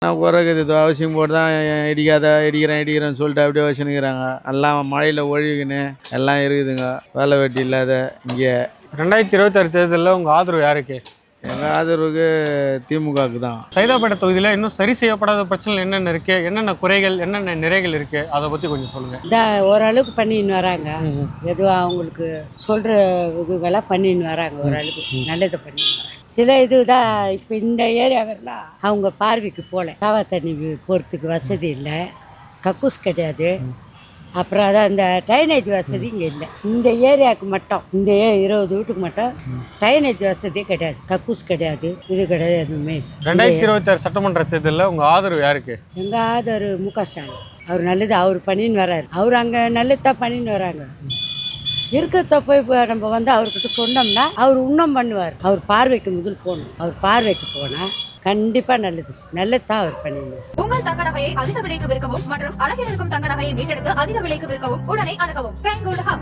நான் குறைக்குது இது அவசியம் போட்டு தான் இடிக்கிறேன்னு சொல்லிட்டு அப்படியே வச்சுன்னுக்கிறாங்க. எல்லாம் மழையில் ஒழுகுன்னு எல்லாம் இருக்குதுங்க. வேலை வெட்டி இல்லாத இங்கே. 2026 தேர்தலில் உங்கள் ஆதரவு யாருக்கு? எங்கள் ஆதரவுக்கு திமுகவுக்கு தான். சைதாப்பேட்டை தொகுதியில் இன்னும் சரி செய்யப்படாத பிரச்சனை என்னென்ன இருக்குது, என்னென்ன குறைகள், என்னென்ன நிறைகள் இருக்குது, அதை பற்றி கொஞ்சம் சொல்லுங்கள். இந்த ஓரளவுக்கு பண்ணின்னு வராங்க. எதுவும் அவங்களுக்கு சொல்கிற இதுவெல்லாம் பண்ணின்னு வராங்க. ஓரளவுக்கு நல்லதை பண்ணின்னு வராங்க. சில இதுதான் இப்போ இந்த ஏரியாவெல்லாம் அவங்க பார்வைக்கு போகல. காவா தண்ணி போகிறதுக்கு வசதி இல்லை, கக்கூஸ் கிடையாது. அப்புறம் அதான் இந்த ட்ரைனேஜ் வசதி இங்கே இல்லை. இந்த ஏரியாவுக்கு மட்டும், இந்த 20 வீட்டுக்கு மட்டும் ட்ரைனேஜ் வசதியே கிடையாது, கக்கூஸ் கிடையாது, இது கிடையாது, எதுவுமே. 2026 சட்டமன்ற தேர்தலில் உங்கள் ஆதரவு யாருக்கு? எங்கள் ஆதரவு மு.க. ஸ்டாலின். அவர் நல்லது அவர் பண்ணின்னு வர்றாரு. அவர் அங்கே நல்லது தான் பண்ணின்னு வராங்க. இருக்கிறத போய் இப்போ நம்ம வந்து அவர்கிட்ட சொன்னோம்னா அவர் இன்னும் பண்ணுவார். அவர் பார்வைக்கு முதல் போகணும். அவர் பார்வைக்கு போனால் கண்டிப்பா நல்லது தான் அவர் பண்ணிடுவார். உங்கள் தங்க நகையை அதிக விலைக்கு விற்கவும் மற்றும் அழகில் இருக்கும் தங்க நகையை மீட்டெடுத்து அதிக விலைக்கு விற்கவும் உடனே அணுகவும்.